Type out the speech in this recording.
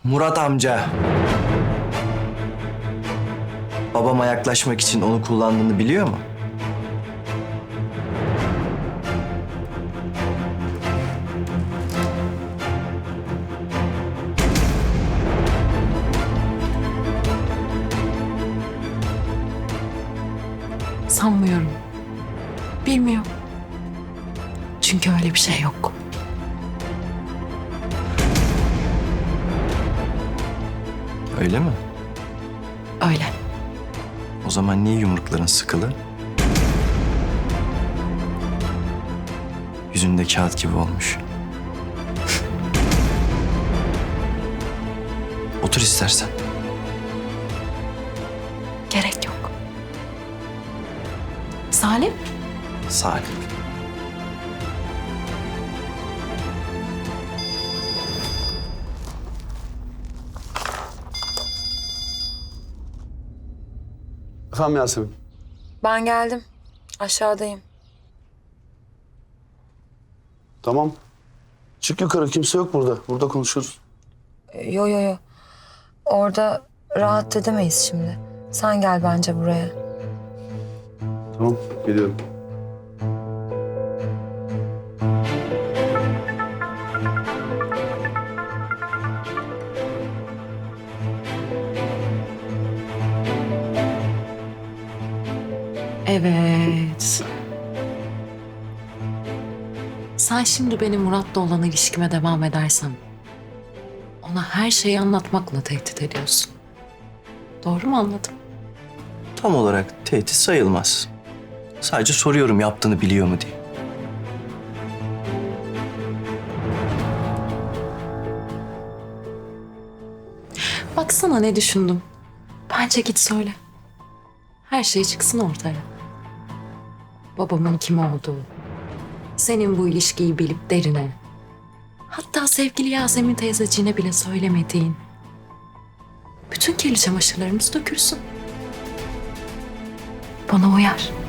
Murat amca. Babama yaklaşmak için onu kullandığını biliyor mu? Sanmıyorum. Bilmiyor. Çünkü öyle bir şey yok. Öyle mi? Öyle. O zaman niye yumrukların sıkılı? Yüzünde kağıt gibi olmuş. Otur istersen. Gerek yok. Salim? Salim. Efendim Yasemin. Ben geldim. Aşağıdayım. Tamam. Çık yukarı, kimse yok burada. Burada konuşuruz. Yo. Orada rahat edemeyiz şimdi. Sen gel bence buraya. Tamam, geliyorum. Evet. Sen şimdi benim Murat'la olan ilişkime devam edersen ona her şeyi anlatmakla tehdit ediyorsun. Doğru mu anladım? Tam olarak tehdit sayılmaz. Sadece soruyorum yaptığını biliyor mu diye. Baksana ne düşündüm. Bence git söyle. Her şey çıksın ortaya. Babamın kim olduğu, senin bu ilişkiyi bilip derine, hatta sevgili Yasemin teyzeciğine bile söylemediğin bütün kirli çamaşırlarımız dökülsün. Bana uyar.